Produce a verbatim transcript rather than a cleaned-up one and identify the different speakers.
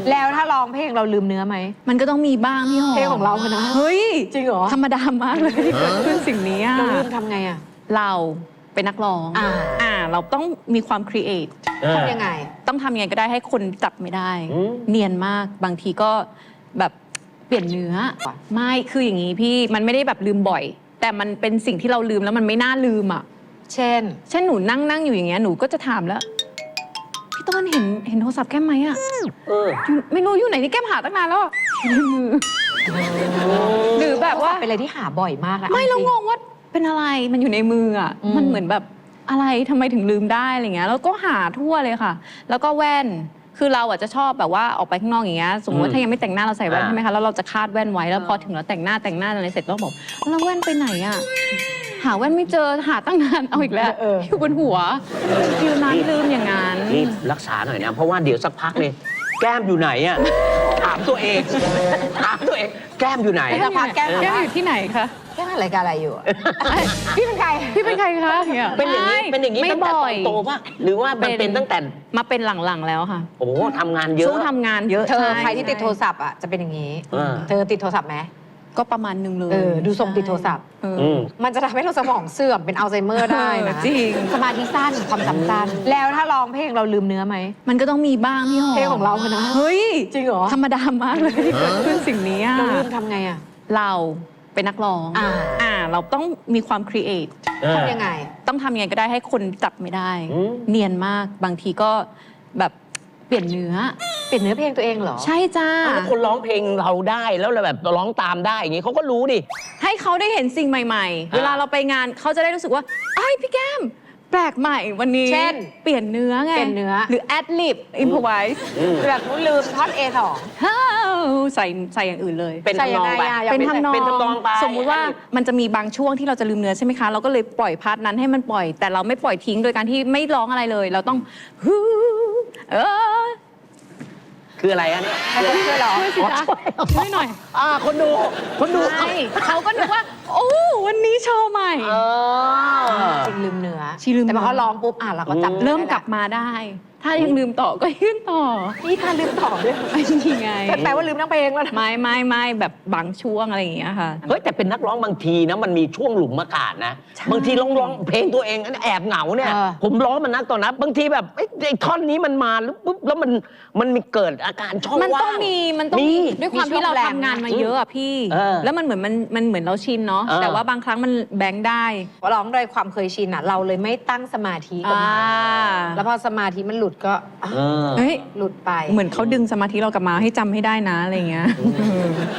Speaker 1: แล้วถ้าร้องเพลงเราลืมเนื้อไหม
Speaker 2: มันก็ต้องมีบ้างพี่หอม
Speaker 1: เพลงของเราอะนะ
Speaker 2: เฮ้ย
Speaker 1: จริงเหรอ
Speaker 2: ธรรมดามากเลยที่เกิดขึ้นสิ่งนี้อะ
Speaker 1: เราลืมทำไงอะ
Speaker 2: เราเป็นนักร้อง
Speaker 1: อ่า
Speaker 2: อ่าเราต้องมีความครีเอท
Speaker 1: ทำยังไง
Speaker 2: ต้องทำยังไงก็ได้ให้คนจับไม่ได้ เนียนมากบางทีก็แบบเปลี่ยนเนื้อไม่คืออย่างนี้พี่มันไม่ได้แบบลืมบ่อย แต่มันเป็นสิ่งที่เราลืมแล้วมันไม่น่าลืมอ่ะ
Speaker 1: เช่น
Speaker 2: เช่นหนูนั่งนั่งอยู่อย่างเงี้ยหนูก็จะถามแล้วพี่ต้นเห็นเห็นโทรศัพท์แก้มไหมอ่ะไม่รู้อยู่ไหนที่แก้มหาตั้งนานแล้วอยู่ในมือหรือแบบว่า
Speaker 1: เป็นอะไรที่หาบ่อยมากอะ
Speaker 2: ไม่เรางงว่าเป็นอะไรมันอยู่ในมืออ่ะมันเหมือนแบบอะไรทำไมถึงลืมได้อะไรเงี้ยแล้วก็หาทั่วเลยค่ะแล้วก็แว่นคือเราอ่ะจะชอบแบบว่าออกไปข้างนอกอย่างเงี้ยสมมติว่าถ้ายังไม่แต่งหน้าเราใส่แว่นใช่ไหมคะแล้วเราจะคาดแว่นไว้แล้วพอถึงเราแต่งหน้าแต่งหน้าอะไรเสร็จก็บอกแล้วแว่นไปไหนอ่ะหาแว่นไม่เจอหาตั้งนานเอาอีกแล้วอยู่บนหัวยืนนานลืมอย่างนั้น
Speaker 3: รีบรักษาหน่อยนะเพราะว่าเดี๋ยวสักพักเลยแก้มอยู่ไหนอ่ะถามตัวเองถามตัวเองแก้มอยู่ไหน
Speaker 1: แก้มแก้ม
Speaker 2: อยู่ที่ไหนคะ
Speaker 1: แก้มอะไรกันอะไรอยู่พี่เป็นใคร
Speaker 2: พี่เป็นใครคะ
Speaker 3: เป็นอย่างนี้เป็นอย่างนี้ตั้งแต่ตอนโตป่ะหรือว่ามันเป็นตั้งแต่
Speaker 2: มาเป็นหลังๆแล้วค่ะ
Speaker 3: โอ้ทำงานเยอะ
Speaker 2: ช่วงทำงานเยอะ
Speaker 1: เธอใครที่ติดโทรศัพท์อ่ะจะเป็นอย่างนี้เธอติดโทรศัพท์ไหม
Speaker 2: ก็ประมาณนึงเลย
Speaker 1: เออดูทรงติดโทรศัพท์มันจะทำให้เราสมองเสื่อมเป็นอัลไซเมอร์ได้นะ
Speaker 2: จริง
Speaker 1: สมาธิสั้นความจำสั้นแล้วถ้าร้องเพลงเราลืมเนื้อไหม
Speaker 2: มันก็ต้องมีบ้างพี่หอม
Speaker 1: เพลงของเราอะนะ
Speaker 2: เฮ้ย
Speaker 1: จริงเหรอ
Speaker 2: ธรรมดามากเลยที่เกิดขึ้นสิ่งนี้
Speaker 1: เราลืมทำไงอะ
Speaker 2: เราเป็นนักร้องอ่าเราต้องมีความครีเอท
Speaker 1: ทำยังไง
Speaker 2: ต้องทำยังไงก็ได้ให้คนจับไม่ได้ เนียนมากบางทีก็แบบเปลี่ยนเนื้อ
Speaker 1: เปลี่ยนเนื้อเพลงตัวเองเหรอ
Speaker 2: ใช่จ้า
Speaker 3: แล้วคนร้องเพลงเราได้แล้วเราแบบร้องตามได้อย่างงี้เขาก็รู้ดิ
Speaker 2: ให้เขาได้เห็นสิ่งใหม่ๆเวลาเราไปงานเขาจะได้รู้สึกว่าไอ้พี่แก้มแปลกใหม่วันนี้
Speaker 1: เช่น
Speaker 2: เปลี่ยนเนื้อไง
Speaker 1: เปลี่ยนเนื้อ
Speaker 2: หรือแอดลิปอิมพอไวส์
Speaker 1: แบบลืมท่อน เอ สอง
Speaker 2: ใส่ใส่อย่างอื่นเลย
Speaker 3: เป็นทำนองไป
Speaker 2: เป็นทำนอง
Speaker 3: เป็นทำนองไป
Speaker 2: สมมุติว่ามันจะมีบางช่วงที่เราจะลืมเนื้อใช่ไหมคะเราก็เลยปล่อยพาร์ทนั้นให้มันปล่อยแต่เราไม่ปล่อยทิ้งโดยการที่ไม่ร้องอะไรเลยเราต้องฮู้เออ
Speaker 3: คืออะไรอะเนี่ย
Speaker 1: ช่วยหรอ
Speaker 2: ช่วยสิคะช่วยหน่อย
Speaker 3: อ่าคนดูคนดู
Speaker 2: เขาก็นึกว่าโอ้วันนี้โชว์ใหม่
Speaker 1: จริงลืมเนื้อ
Speaker 2: ชีลืม
Speaker 1: แต่พอเขาร้องปุ๊บอ่ะเราก็จำ
Speaker 2: เริ่มกลับมาได้ถ้ายังลืมต่อก็ยื่นต่อ
Speaker 1: นี่ถ้าลืมต่อด้วย
Speaker 2: ไม่จริงไง
Speaker 1: แปลว่าลืมทั้งเพลงแล้วนะ
Speaker 2: ไม่ไม่ไม่แบบบางช่วงอะไรอย่างเงี้ยค่ะ
Speaker 3: เฮ้ยแต่เป็นนักร้องบางทีนะมันมีช่วงหลุมอากาศนะบางทีร้องร้องเพลงตัวเองแอบเหงาเนี่ยผมร้องมันนักตอนนั้นบางทีแบบไอ้ท่อนนี้มันมาแล้วปุ๊บแล้วมันมันมีเกิดอาการช่องว่าง
Speaker 2: มันต้องมีมันต้องมีด้วยความที่เราทำงานมาเยอะอะพี่แล้วมันเหมือนมันมันเหมือนเราชินเนาะแต่ว่าบางครั้งมันแบงค์ได้
Speaker 1: ร้องโดยความเคยชินอะเราเลยไม่ตั้งสมาธิกับมันแล้วพอสมาธิมันหลุดก็
Speaker 2: เฮ้ย
Speaker 1: หลุดไป
Speaker 2: เหมือนเขาดึงสมาธิเรากลับมาให้จำให้ได้นะอะไรเงี้ย